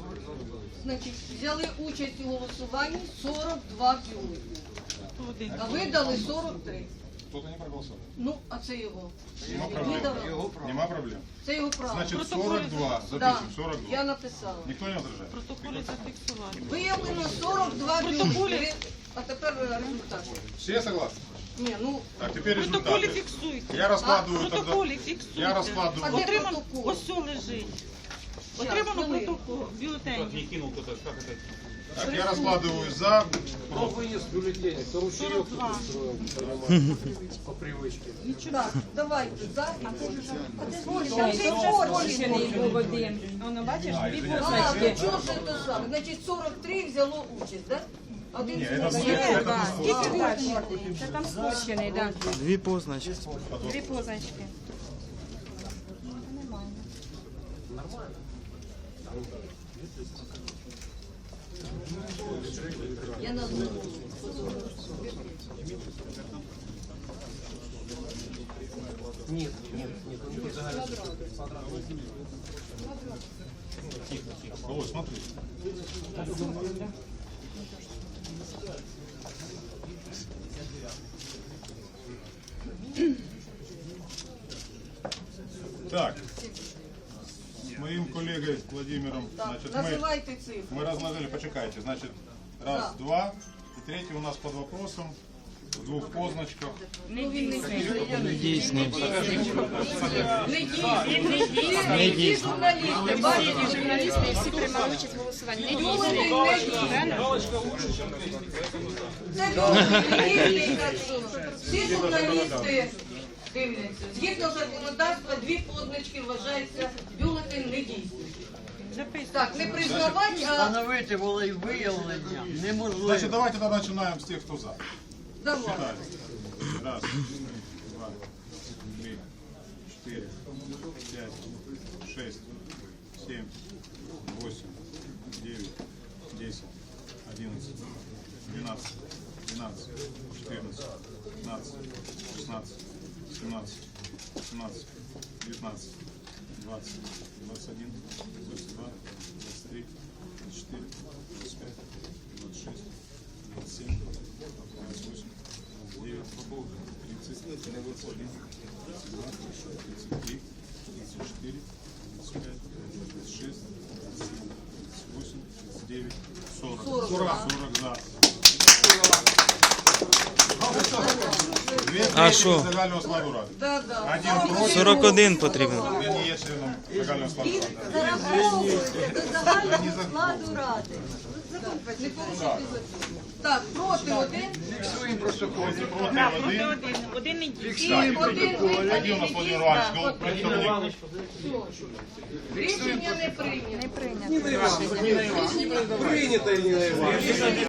Значить, взяли участь у голосуванні 42 бюлетні. А видали 43. Кто-то не проголосовал. Ну, а це його. Нема проблем. Нема проблем. Це його право. Значит, 42. Да, Запишем, 42. я написала. Никто не возражает? Протоколі зафіксувати. Виявлено 42 бюлетні. А тепер результати. Все согласны? Ні, ну, Так, теперь Протоколі результаты. фіксуйте. Я раскладываю тогда. Протоколі фіксуйте. Я раскладываю. А де Отримано, протокол? ось все лежить. Отримано хвилину. протокол, бюлетень. Не кинул кто-то, как это? Так, я раскладываю за, Кто против. вынес бюллетени? Кто ручеек 42. устроил, понимаете, по привычке. так, давайте, за і проти. Воно, бачиш, дві А, позначки. то чого ж це саме? Значить, 43 взяло участь, так? Один Не, чоловік. это не Скільки далі? Це там спущений, так. Дві позначки. Дві позначки. Я назву. Нет, нет, нет, он не загорелся. Ой, смотри. Так, с моим коллегой Владимиром, Так, значит, називайте цифри. мы разложили, почекайте, значит, раз, Да. два, и третий у нас под вопросом, в двух позначках. Ну, він не дійсний. Недійсний. Не дійсний. Не дійсний. Журналісти, бачите, Журналісти всі приймали участь в голосуванні. Не дійсно. це журналісти, так що всі журналісти дивляться. Згідно законодавства, дві позначки вважаються бюлетень недійсним. Так, не признавати, а Встановити волевиявлення неможливо. Значит, давайте тогда начинаем с тех, кто за. давай. Считаем. Раз, два, три, четыре, пять, шесть, семь, восемь, девять, 10, 11, 12, 12, 14, 15, 16, 17, 18, 19, 20, 21, 22, 23, 24, 25, 26, 27, 28, 29, 30, 31, 32, 33, 34, 35, 36, 37, 38, 39, 40. 40 за. Дві А треті що? загального складу ради. Да, да. Один проти. 41 потрібно. Він не є членом загального складу ради. Зараховується до загального складу ради. Не порушуйте закон. Так, проти один. Фіксуємо протокол. Проти один. Один не дійсний. І один Один у нас Владимир Іванович, ну, представник. Рішення не прийнято. Не прийнято. Принято, Ирина Ивановна.